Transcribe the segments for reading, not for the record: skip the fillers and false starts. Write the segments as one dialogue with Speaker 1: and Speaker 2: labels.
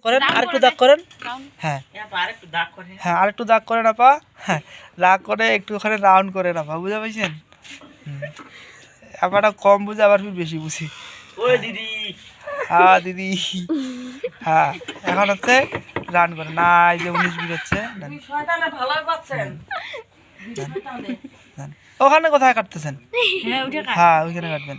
Speaker 1: করেন, আরেকটু দাগ করেন। হ্যাঁ হ্যাঁ, আরেকটু দাগ করেন আপা। হ্যাঁ, দাগ করে একটুখানি রাউন্ড করেন আপা, বুঝতে পারছেন? আপাটা কম বুঝে, আবার বেশি বুঝি। হ্যাঁ দিদি, হ্যাঁ এখন হচ্ছে রান করে না, এই যে 19 হচ্ছে। ওখানে কোথায় কাটতেছেন? হ্যাঁ ওইখানে কাটবেন।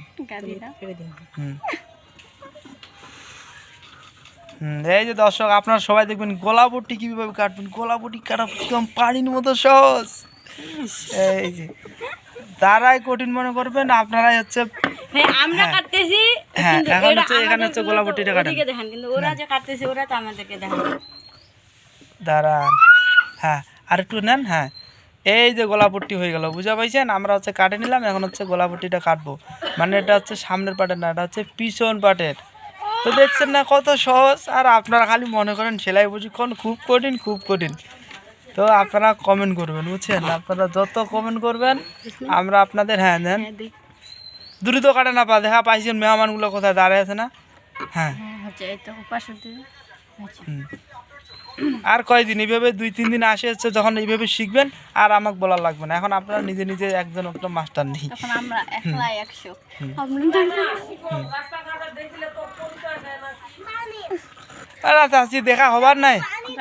Speaker 1: এই যে দর্শক, আপনারা সবাই দেখবেন গোলাপটি কিভাবে কাটবেন। গোলাপটি কাটা একদম পানির মতো সহজ। এই যে তারাই কঠিন মনে করবেন, আপনারাই হচ্ছে
Speaker 2: আমরা কাটতেছি।
Speaker 1: হ্যাঁ এখন হচ্ছে এখানে হচ্ছে গোলাপটিটা কাটেন,
Speaker 2: কিন্তু ওরা যে কাটতেছে ওরা তো আমাদেরকে দেখেন।
Speaker 1: দাঁড়ান, হ্যাঁ আর একটু নেন। হ্যাঁ এই যে গোলাপটি হয়ে গেল, বুঝা পাইছেন? আমরা হচ্ছে কাটে নিলাম, এখন হচ্ছে গোলাপটিটা কাটবো। মানে এটা হচ্ছে সামনের পাটের না, এটা হচ্ছে পিছন পাটের। তো দেখছেন না কত সহজ। আর আপনারা খালি মনে করেন সেলাই প্রশিক্ষণ খুব কঠিন, খুব কঠিন। তো আপনারা কমেন্ট করবেন, বুঝছেন? আপনারা যত কমেন্ট করবেন আমরা আপনাদের, হ্যাঁ নেন দ্রুত কাটে না পা, দেখা পাইছেন মেহমানগুলো কোথায় দাঁড়িয়ে আছে না? হ্যাঁ আর কয়দিন এইভাবে 2-3 দিন আসে হচ্ছে, যখন এইভাবে শিখবেন আর আমাকে বলা লাগবে না। এখন আপনারা নিজে নিজে একজন একটা মাস্টার নেই। চাচি দেখা হবার নাই,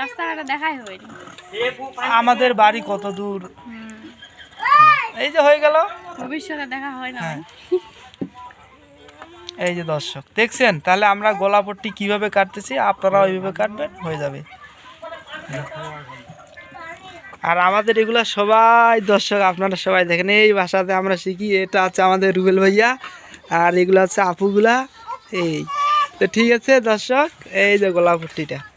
Speaker 1: আমাদের বাড়ি কত দূর। এই যে হয়ে গেল,
Speaker 2: ভবিষ্যতে দেখা হয় না।
Speaker 1: এই যে দর্শক দেখছেন, তাহলে আমরা গোলাপটি কিভাবে কাটতেছি, আপনারা ওইভাবে কাটবেন, হয়ে যাবে। আর আমাদের এগুলা সবাই দর্শক আপনারা সবাই দেখেন, এই ভাষাতে আমরা শিখি। এটা আছে আমাদের রুবেল ভাইয়া, আর এগুলো হচ্ছে আপুগুলা। এই তো ঠিক আছে দর্শক, এই যে গোলাপটিটা।